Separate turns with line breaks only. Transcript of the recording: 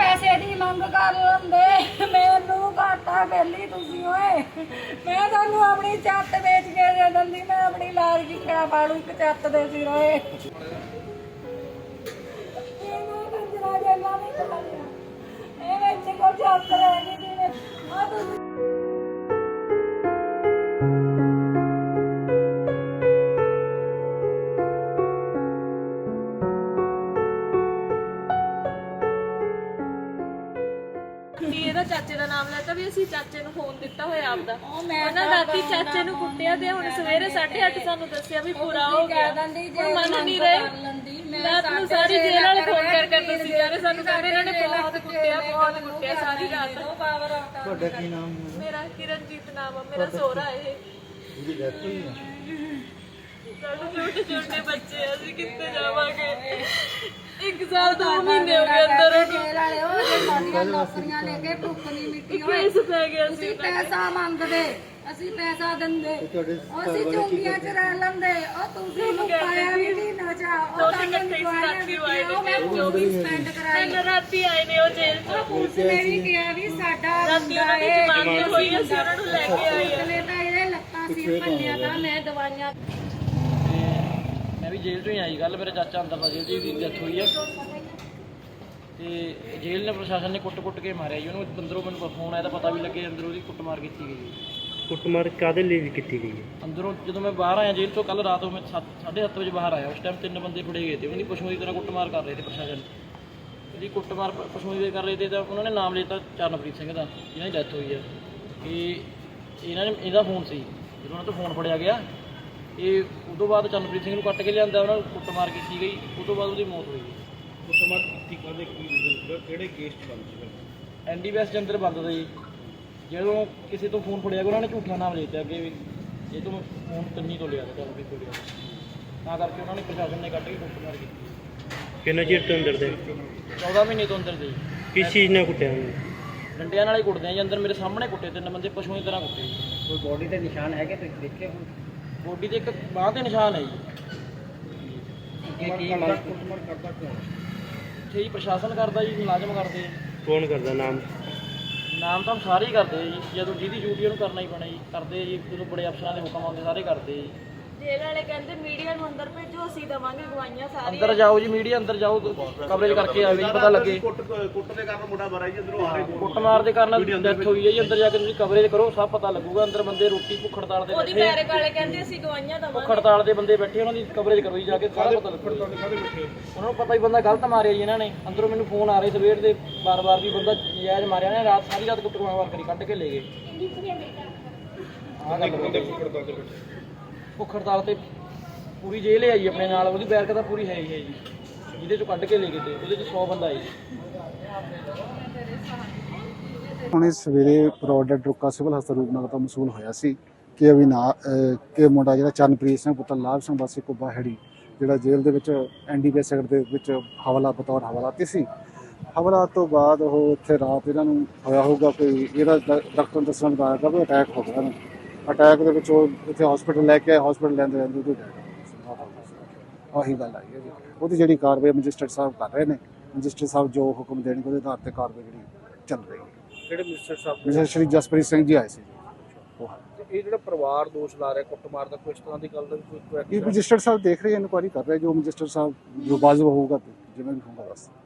ਪੈਸੇ ਦੀ ਮੰਗ ਕਰ ਲੈਂਦੇ, ਮੈਨੂੰ ਘਾਟਾ ਵੇਲੀ ਤੁਸੀਂ ਓਏ। ਮੈਂ ਤੁਹਾਨੂੰ ਆਪਣੀ ਛੱਤ ਵੇਚ ਕੇ ਦੇ ਦਿੰਦੀ, ਮੈਂ ਆਪਣੀ ਲਾਜ ਕੀ ਕਿਹੜਾ ਪਾਲੂ ਇੱਕ ਛੱਤ ਦੇ ਸਿਰ ਓਏ। ਇਹਨੂੰ ਕੰਜਰਾ ਜੇਲਾ ਨਹੀਂ ਪਾ ਲਿਆ, ਇਹ ਵਿੱਚ ਕੋ ਛੱਤ ਰਹਿ ਗਈ ਜਿਵੇਂ ਆ ਤੁਸੀਂ।
ਇਹਦਾ ਚਾਚੇ ਦਾ ਨਾਮ ਲੈਤਾ ਵੀ ਅਸੀਂ ਚਾਚੇ ਨੂੰ ਫੋਨ ਦਿੱਤਾ ਹੋਇਆ ਆਪਦਾ। ਉਹਨਾਂ ਰਾਤੀ ਚਾਚੇ ਨੂੰ ਕੁੱਟਿਆ ਤੇ ਹੁਣ ਸਵੇਰੇ 8:30 ਸਾਨੂੰ ਦੱਸਿਆ ਵੀ ਪੂਰਾ ਹੋ ਗਿਆ। ਮੰਨ ਨਹੀਂ ਰਹੇ। ਰਾਤ ਨੂੰ ਸਾਰੀ ਜੇਲ੍ਹ ਵਾਲੇ ਫੋਨ ਕਰ ਦੱਸੀ ਜਾ ਰਹੇ ਸਾਨੂੰ, ਕਹਿੰਦੇ ਇਹਨਾਂ ਨੇ ਬਹੁਤ ਕੁੱਟਿਆ ਸਾਰੀ ਰਾਤ।
ਤੁਹਾਡਾ ਕੀ ਨਾਮ ਹੈ?
ਮੇਰਾ ਕਿਰਨਜੀਤ ਨਾਮ ਆ, ਮੇਰਾ ਸਹੁਰਾ ਇਹ।
ਉਹਦੀ ਡੈਥ ਹੋਈ ਹੈ।
ਸਾਡੇ ਛੋਟੇ ਛੋਟੇ ਬੱਚੇ ਆ, ਅਸੀਂ ਕਿੱਥੇ ਜਾਵਾਂਗੇ? 1 ਸਾਲ 2 ਮਹੀਨੇ ਹੋ ਗਏ ਅੰਦਰ
ਸਾਡੀਆਂ ਨੌਕਰੀਆਂ ਲੈ ਕੇ ਭੁੱਖ ਨਹੀਂ ਮਿੱਟੀ ਹੋਈ।
ਕੇਸ ਪੈ ਗਿਆ ਸੀ।
ਅਸੀਂ ਪੈਸਾ ਮੰਗਦੇ, ਅਸੀਂ ਪੈਸਾ ਦਿੰਦੇ, ਅਸੀਂ ਚੁੰਗੀਆਂ ਚ ਰਹਿ ਲੈਂਦੇ। ਉਹ ਤੁਸੀਂ ਮੁਕਾਇਆ ਵੀ ਨਹੀਂ ਨਚਾ, ਉਹ ਤੁਹਾਨੂੰ ਮੈਂ 24 ਸਪੈਂਡ ਕਰਾਈ।
ਰਾਤੀ ਆਏ ਨੇ ਉਹ ਜੇਲ੍ਹ ਤੋਂ।
ਪੁਲਿਸ ਨੇ ਵੀ ਕਿਹਾ ਵੀ ਸਾਡਾ
ਰਾਤੀ ਉਹਨਾਂ ਦੀ ਜ਼ਮਾਨਤ ਹੋਈ, ਅਸੀਂ ਉਹਨਾਂ ਨੂੰ ਲੈ ਕੇ ਆਏ ਆ।
ਨੇ ਤਾਂ ਇਹਦੇ ਲੱਤਾਂ ਸਿਰ ਭੰਨਿਆ ਤਾਂ ਮੈਂ ਦਵਾਈਆਂ।
ਮੈਂ ਵੀ ਜੇਲ੍ਹ ਤੋਂ ਹੀ ਆਈ। ਗੱਲ ਮੇਰੇ ਚਾਚਾ ਅੰਦਰ ਦਾ ਜੇਲ੍ਹ ਦੀ ਡੈਥ ਹੋਈ ਹੈ ਤੇ ਜੇਲ੍ਹ ਨੇ ਪ੍ਰਸ਼ਾਸਨ ਨੇ ਕੁੱਟ ਕੇ ਮਾਰਿਆ ਜੀ ਉਹਨੂੰ। ਅੰਦਰੋਂ ਮੈਨੂੰ ਫੋਨ ਆਇਆ ਤਾਂ ਪਤਾ ਵੀ ਲੱਗੇ ਅੰਦਰੋਂ ਉਹਦੀ ਕੁੱਟਮਾਰ ਕੀਤੀ ਗਈ ਜੀ।
ਕੁੱਟਮਾਰ ਕਾਹਦੇ ਲਈ ਕੀਤੀ ਗਈ ਹੈ?
ਅੰਦਰੋਂ ਜਦੋਂ ਮੈਂ ਬਾਹਰ ਆਇਆ ਜੇਲ੍ਹ ਤੋਂ ਕੱਲ ਰਾਤ ਨੂੰ, ਮੈਂ 7:30 ਵਜੇ ਬਾਹਰ ਆਇਆ। ਉਸ ਟਾਈਮ 3 ਬੰਦੇ ਫੜੇ ਗਏ ਤੇ ਉਹਦੀ ਪਸ਼ੂਆਂ ਦੀ ਤਰ੍ਹਾਂ ਕੁੱਟਮਾਰ ਕਰ ਰਹੇ ਤੇ ਪ੍ਰਸ਼ਾਸਨ ਇਹਦੀ ਕੁੱਟਮਾਰ ਪਸ਼ੂਆਂ ਦੀ ਕਰ ਰਹੇ ਤੇ। ਤਾਂ ਉਹਨਾਂ ਨੇ ਨਾਮ ਲਿੱਤਾ ਚਰਨਪ੍ਰੀਤ ਸਿੰਘ ਦਾ, ਜਿਹਨਾਂ ਦੀ ਡੈਥ ਹੋਈ ਹੈ। ਕਿ ਇਹਨਾਂ ਨੇ ਇਹਦਾ ਫੋਨ ਸੀ, ਜਦੋਂ ਉਹਨਾਂ ਤੋਂ ਫੋਨ ਫੜਿਆ ਗਿਆ ਇਹ ਉਦੋਂ ਬਾਅਦ ਚਰਨਪ੍ਰੀਤ ਸਿੰਘ ਨੂੰ ਕੱਟ ਕੇ ਲਿਆਂਦਾ, ਉਹਨਾਂ ਨੂੰ ਕੁੱਟਮਾਰ ਕੀਤੀ ਗਈ। ਉਸ ਤੋਂ ਬਾਅਦ ਉਹਦੀ ਮੌਤ ਹੋਈ ਗਈ।
ਕੁੱਟਮਾਰ ਕੀਤੀ ਕਾਹਦੇ ਕੀ ਕਿਹੜੇ ਕੇਸ 'ਚ ਬੰਦ ਸੀ?
ਐਨਡੀਪੀਐਸ ਦੇ ਅੰਦਰ ਬੰਦ ਸੀ। ਜਦੋਂ ਕਿਸੇ ਤੋਂ ਫੋਨ ਫੜਿਆ ਗਿਆ ਉਹਨਾਂ ਨੇ ਝੂਠਾ ਨਾਮ ਲੈ ਦਿੱਤਾ ਅੱਗੇ ਵੀ ਇਹ ਤੋਂ ਫੋਨ ਕੰਨੀ ਤੋਂ ਲਿਆ ਚਰਨਪ੍ਰੀਤ ਤੋਂ ਲਿਆ, ਤਾਂ ਕਰਕੇ ਉਹਨਾਂ ਨੇ ਪ੍ਰਸ਼ਾਸਨ ਨੇ ਕੱਢ ਕੇ ਕੁੱਟਮਾਰ ਕੀਤੀ।
ਕਿੰਨਾ ਚਿਰ ਤੋਂ ਅੰਦਰ ਦੇ?
14 ਮਹੀਨੇ ਤੋਂ ਅੰਦਰ ਦੇ।
ਕਿਸ ਚੀਜ਼ ਨਾਲ ਕੁੱਟਿਆ ਉਹਨੂੰ?
ਡੰਡਿਆਂ ਨਾਲ ਹੀ ਕੁੱਟਦੇ ਆ ਜੀ। ਅੰਦਰ ਮੇਰੇ ਸਾਹਮਣੇ ਕੁੱਟੇ 3 ਬੰਦੇ ਪਸ਼ੂਆਂ ਦੀ ਤਰ੍ਹਾਂ ਕੁੱਟੇ ਜੀ।
ਕੋਈ ਬੋਡੀ ਤੇ ਨਿਸ਼ਾਨ ਹੈਗੇ ਤੁਸੀਂ ਦੇਖੇ ਹੋ?
ਬੋਡੀ ਤੇ ਇੱਕ ਬਾਂਹ ਤੇ ਨਿਸ਼ਾਨ ਹੈ ਜੀ।
ਕੀ ਕੁੱਟਮਾਰ ਕਰਦਾ ਕੌਣ?
ਇੱਥੇ ਜੀ ਪ੍ਰਸ਼ਾਸਨ ਕਰਦਾ ਜੀ, ਮੁਲਾਜ਼ਮ ਕਰਦੇ।
ਕੌਣ ਕਰਦਾ?
ਨਾਮ ਤਾਂ ਸਾਰੇ ਹੀ ਕਰਦੇ ਜੀ, ਜਦੋਂ ਜਿਹਦੀ ਡਿਊਟੀ ਉਹਨੂੰ ਕਰਨਾ ਹੀ ਪੈਣਾ ਜੀ। ਕਰਦੇ ਜੀ, ਜਦੋਂ ਬੜੇ ਅਫਸਰਾਂ ਦੇ ਹੁਕਮ ਆਉਂਦੇ ਸਾਰੇ ਕਰਦੇ ਜੀ।
ਜੇਲ੍ਹ ਵਾਲੇ ਕਹਿੰਦੇ ਮੀਡੀਆ ਨੂੰ ਅੰਦਰ ਭੇਜੋ, ਅਸੀਂ ਦਵਾਂਗੇ ਗਵਾਈਆਂ ਸਾਰੀਆਂ।
ਅੰਦਰ ਜਾਓ ਜੀ, ਮੀਡੀਆ ਅੰਦਰ ਜਾਓ, ਕਵਰੇਜ ਕਰਕੇ ਆਵੇ ਜੀ, ਪਤਾ ਲੱਗੇ।
ਕੁੱਟ ਦੇ ਕਾਰਨ ਮੁੰਡਾ ਮਾਰਿਆ ਜੀ ਅੰਦਰੋਂ ਆ ਰਹੇ।
ਕੁੱਟਮਾਰ ਦੇ ਕਾਰਨ ਡੈਥ ਹੋਈ ਹੈ ਜੀ। ਅੰਦਰ ਜਾ ਕੇ ਤੁਸੀਂ ਕਵਰੇਜ ਕਰੋ, ਸਭ ਪਤਾ ਲੱਗੂਗਾ। ਅੰਦਰ ਬੰਦੇ ਰੋਟੀ ਭੁੱਖ ਹੜਤਾਲ ਤੇ
ਉਹਦੀ
ਬੈਠੇ,
ਬੈਰਕ ਵਾਲੇ ਕਹਿੰਦੇ ਅਸੀਂ ਗਵਾਈਆਂ
ਭੁੱਖ
ਦਵਾਂਗੇ।
ਹੜਤਾਲ ਦੇ ਬੰਦੇ ਬੈਠੇ, ਉਹਨਾਂ ਦੀ ਕਵਰੇਜ ਕਰੋ ਜੀ ਜਾ ਕੇ, ਸਾਰਾ ਪਤਾ ਲੱਗੂਗਾ। ਉਹਨਾਂ ਨੂੰ ਪਤਾ ਹੀ ਬੰਦਾ ਗਲਤ ਮਾਰਿਆ ਜੀ ਇਹਨਾਂ ਨੇ। ਅੰਦਰੋਂ ਮੈਨੂੰ ਫੋਨ ਆ ਰਹੇ ਸਵੇਰ ਦੇ ਬਾਰ-ਬਾਰ ਵੀ ਬੰਦਾ ਨਜਾਇਜ਼ ਮਾਰਿਆ ਨੇ। ਰਾਤ ਸਾਰੀ ਰਾਤ ਕੁੱਟਮਾਰ ਕਰੀ, ਕੱਢ ਕੇ ਲੈ ਗਏ। ਭੁੱਖ ਹੜਤਾਲ ਤੇ ਪੂਰੀ ਜੇਲ੍ਹ ਹੈ ਜੀ ਆਪਣੇ ਨਾਲ, ਉਹਦੀ ਬੈਰਕ ਤਾਂ ਪੂਰੀ ਹੈ ਹੀ ਹੈ ਜੀ, ਜਿਹਦੇ ਚੋਂ ਕੱਢ ਕੇ ਲੈ ਗਏ ਤੇ ਉਹਦੇ 'ਚ 100 ਬੰਦਾ ਹੈ ਜੀ।
ਹੁਣੇ ਸਵੇਰੇ ਪ੍ਰੋਡਕਟ ਰੁਕਾ ਸਿਵਲ ਹਸਪਤਾਲ ਰੂਪਨਗਰ ਤੋਂ ਮਸੂਲ ਹੋਇਆ ਸੀ ਕਿ ਕਿ ਮੁੰਡਾ ਜਿਹੜਾ ਚਰਨਪ੍ਰੀਤ ਸਿੰਘ ਪੁੱਤਰ ਲਾਭ ਸਿੰਘ ਵਾਸੀ ਕੁੱਬਾ ਹੈੜੀ, ਜਿਹੜਾ ਜੇਲ੍ਹ ਦੇ ਵਿੱਚ ਐਨਡੀਪੀਐਸ ਸੈਕਟਰ ਦੇ ਵਿੱਚ ਬਤੌਰ ਹਵਾਲਾਤੀ ਸੀ। ਹਵਾਲਾਤ ਤੋਂ ਬਾਅਦ ਉਹ ਇੱਥੇ ਰਾਤ ਇਹਨਾਂ ਨੂੰ ਹੋਇਆ ਹੋਊਗਾ ਕੋਈ, ਇਹਦਾ ਡਾਕਟਰ ਨੂੰ ਦੱਸਣ ਦਾ ਆਇਆ ਵੀ ਅਟੈਕ ਹੋ ਗਿਆ ਇਹਨੂੰ। ਅਟੈਕ ਦੇ ਵਿੱਚ ਉਹ ਇੱਥੇ ਹਸਪੀਟਲ ਲੈ ਕੇ ਆਏ, ਹਸਪੀਟਲ ਲੈਂਦੇ ਉਹਦੀ ਡੈਥ ਆਹੀ ਗੱਲ ਆਈ ਹੈ ਜੀ। ਉਹਦੀ ਜਿਹੜੀ ਕਾਰਵਾਈ ਮੈਜਿਸਟਰੇਟ ਸਾਹਿਬ ਕਰ ਰਹੇ ਨੇ, ਮੈਜਿਸਟਰੇਟ ਸਾਹਿਬ ਜੋ ਹੁਕਮ ਦੇਣਗੇ ਉਹਦੇ ਆਧਾਰ ਤੇ ਕਾਰਵਾਈ ਜਿਹੜੀ ਚੱਲ ਰਹੀ ਹੈ।
ਕਿਹੜੇ ਮਿਨਿਸਟਰ ਸਾਹਿਬ?
ਮਿਸਟਰ ਸ਼੍ਰੀ ਜਸਪ੍ਰੀਤ ਸਿੰਘ ਜੀ ਆਏ ਸੀ।
ਇਹ ਜਿਹੜਾ ਪਰਿਵਾਰ ਦੋਸ਼ ਲਾ ਰਿਹਾ ਕੁੱਟਮਾਰ ਦਾ, ਕੋਈ ਇਸ ਤਰ੍ਹਾਂ ਦੀ ਗੱਲ ਦਾ ਕੋਈ
ਇਹ ਮੈਜਿਸਟਰੇਟ ਸਾਹਿਬ ਦੇਖ ਰਹੇ, ਇਨਕੁਆਇਰੀ ਕਰ ਰਹੇ। ਜੋ ਮੈਜਿਸਟਰੇਟ ਸਾਹਿਬ ਜੋ ਵਾਜਬ ਹੋਊਗਾ, ਜਿਵੇਂ ਵੀ ਹੋਊਗਾ ਬਸ।